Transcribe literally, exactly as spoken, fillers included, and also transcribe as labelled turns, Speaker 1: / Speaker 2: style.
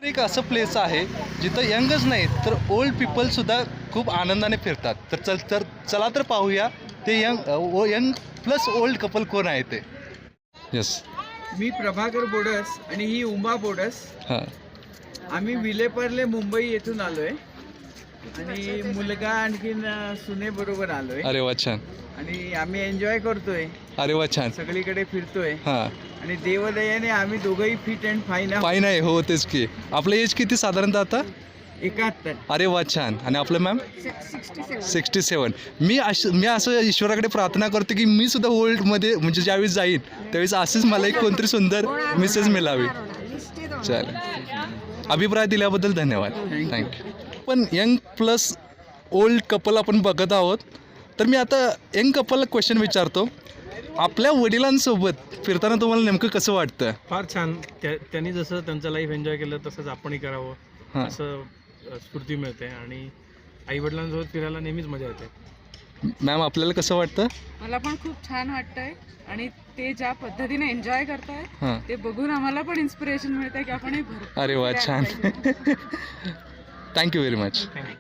Speaker 1: एक असं प्लेस आहे जिथं यंगच नाही तर ओल्ड पीपलसुद्धा खूप आनंदाने फिरतात. तर चल तर चला तर पाहूया ते young young plus old couple कोण आहे ते. येस.
Speaker 2: मी प्रभाकर बोडस आणि ही उमा बोडस.
Speaker 1: हां.
Speaker 2: आम्ही विलेपार्ले मुंबई येथून आलोय आणि मुलगा आणखीन सुने बरोबर आलोय
Speaker 1: अरे वा छान.
Speaker 2: आणि आम्ही एन्जॉय करतोय,
Speaker 1: अरे वा छान.
Speaker 2: सगळीकडे फिरतोय
Speaker 1: हां.
Speaker 2: आणि देवदयाने आम्ही दोघंही फिट अँड फाईन आहोत.
Speaker 1: फाईन आहे. हो तेच की. आपलं एज किती साधारणतः आता?
Speaker 2: एकाहत्तर.
Speaker 1: अरे वा छान. आणि आपलं मॅम? सिक्स्टी सेवन. मी अश मी असं ईश्वराकडे प्रार्थना करतो की मी सुद्धा ओल्डमध्ये म्हणजे ज्यावेळेस जाईन त्यावेळेस असंच मला एक कोणतरी सुंदर मिसेस मिळावी. चालेल. अभिप्राय दिल्याबद्दल धन्यवाद. थँक्यू. पण यंग प्लस ओल्ड कपल आपण बघत आहोत. तर मी आता यंग कपलला क्वेश्चन विचारतो. आपल्या वडिलांसोबत फिरताना तुम्हाला नेमकं कसं वाटतं?
Speaker 3: फार छान. त्या त्यांनी जसं त्यांचं लाईफ एन्जॉय केलं तसंच आपणही करावं
Speaker 1: हां.
Speaker 3: असं अ, स्फूर्ती मिळते आणि आईवडिलांसोबत फिरायला नेहमीच मजा येते.
Speaker 1: मॅम आपल्याला कसं वाटतं?
Speaker 4: मला पण खूप छान वाटतंय आणि ते ज्या पद्धतीने एन्जॉय करतायत
Speaker 1: हां.
Speaker 4: ते बघून आम्हाला पण इन्स्पिरेशन मिळतंय की आपणही भरपूर
Speaker 1: अरे वा
Speaker 4: फिरायला
Speaker 1: छान.
Speaker 4: पाहिजे.
Speaker 1: Thank you very much.
Speaker 3: थँक्यू.